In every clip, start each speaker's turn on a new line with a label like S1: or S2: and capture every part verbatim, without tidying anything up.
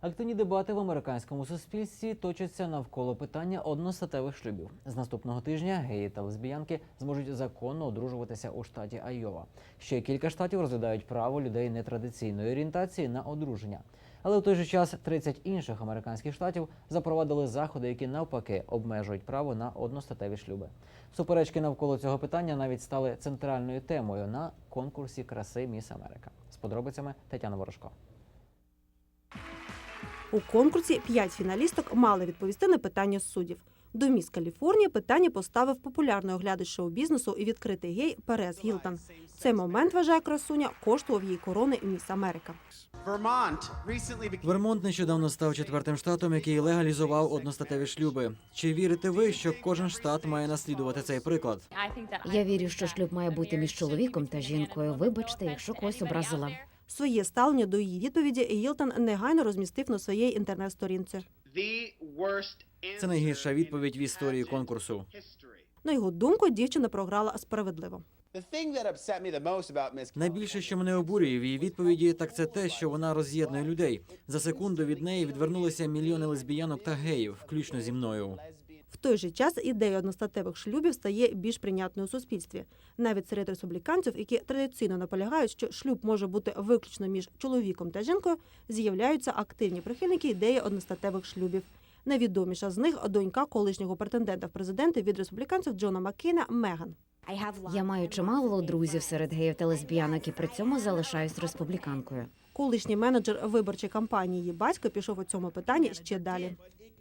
S1: Активні дебати в американському суспільстві точаться навколо питання одностатевих шлюбів. З наступного тижня геї та лесбіянки зможуть законно одружуватися у штаті Айова. Ще кілька штатів розглядають право людей нетрадиційної орієнтації на одруження. Але в той же час тридцять інших американських штатів запровадили заходи, які навпаки обмежують право на одностатеві шлюби. Суперечки навколо цього питання навіть стали центральною темою на конкурсі краси «Міс Америка». З подробицями Тетяна Ворожко.
S2: У конкурсі п'ять фіналісток мали відповісти на питання суддів. До «Міс Каліфорнія» питання поставив популярний оглядач шоу-бізнесу і відкритий гей Перес Гілтон. Цей момент, вважає красуня, коштував їй корони «Міс Америка».
S3: Вермонт нещодавно став четвертим штатом, який легалізував одностатеві шлюби. Чи вірите ви, що кожен штат має наслідувати цей приклад?
S4: Я вірю, що шлюб має бути між чоловіком та жінкою. Вибачте, якщо когось образила.
S2: Своє ставлення до її відповіді Гілтон негайно розмістив на своїй інтернет-сторінці.
S3: Це найгірша відповідь в історії конкурсу.
S2: На його думку, дівчина програла справедливо.
S3: Найбільше, що мене обурює в її відповіді, так це те, що вона роз'єднує людей. За секунду від неї відвернулися мільйони лесбіянок та геїв, включно зі мною.
S2: В той же час ідея одностатевих шлюбів стає більш прийнятною у суспільстві. Навіть серед республіканців, які традиційно наполягають, що шлюб може бути виключно між чоловіком та жінкою, з'являються активні прихильники ідеї одностатевих шлюбів. Найвідоміша з них – донька колишнього претендента в президенти від республіканців Джона Маккейна Меган.
S4: Я маю чимало друзів серед геїв та лесбіянок і при цьому залишаюсь республіканкою.
S2: Колишній менеджер виборчої кампанії її батько пішов у цьому питанні ще далі.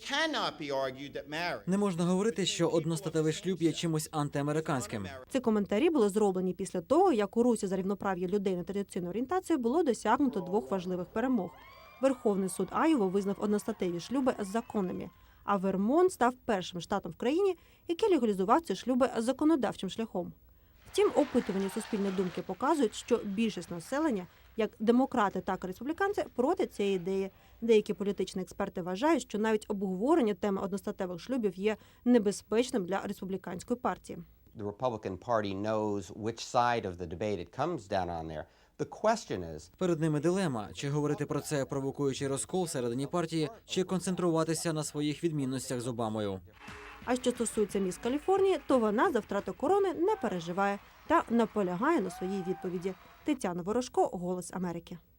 S3: Не можна говорити, що одностатевий шлюб є чимось антиамериканським.
S2: Ці коментарі були зроблені після того, як у Русі за рівноправ'я людей нетрадиційної орієнтації було досягнуто двох важливих перемог. Верховний суд Айова визнав одностатеві шлюби законними, а Вермонт став першим штатом в країні, який легалізував ці шлюби законодавчим шляхом. Втім, опитування суспільної думки показують, що більшість населення, як демократи, так і республіканці, проти цієї ідеї. Деякі політичні експерти вважають, що навіть обговорення теми одностатевих шлюбів є небезпечним для республіканської партії.
S5: The Republican Party knows which side of the debate it comes down on there. The question is,
S3: Перед ними дилема – чи говорити про це, провокуючи розкол всередині партії, чи концентруватися на своїх відмінностях з Обамою.
S2: А що стосується «Міс Каліфорнії», то вона за втрату корони не переживає та наполягає на своїй відповіді. Тетяна Ворожко, «Голос Америки».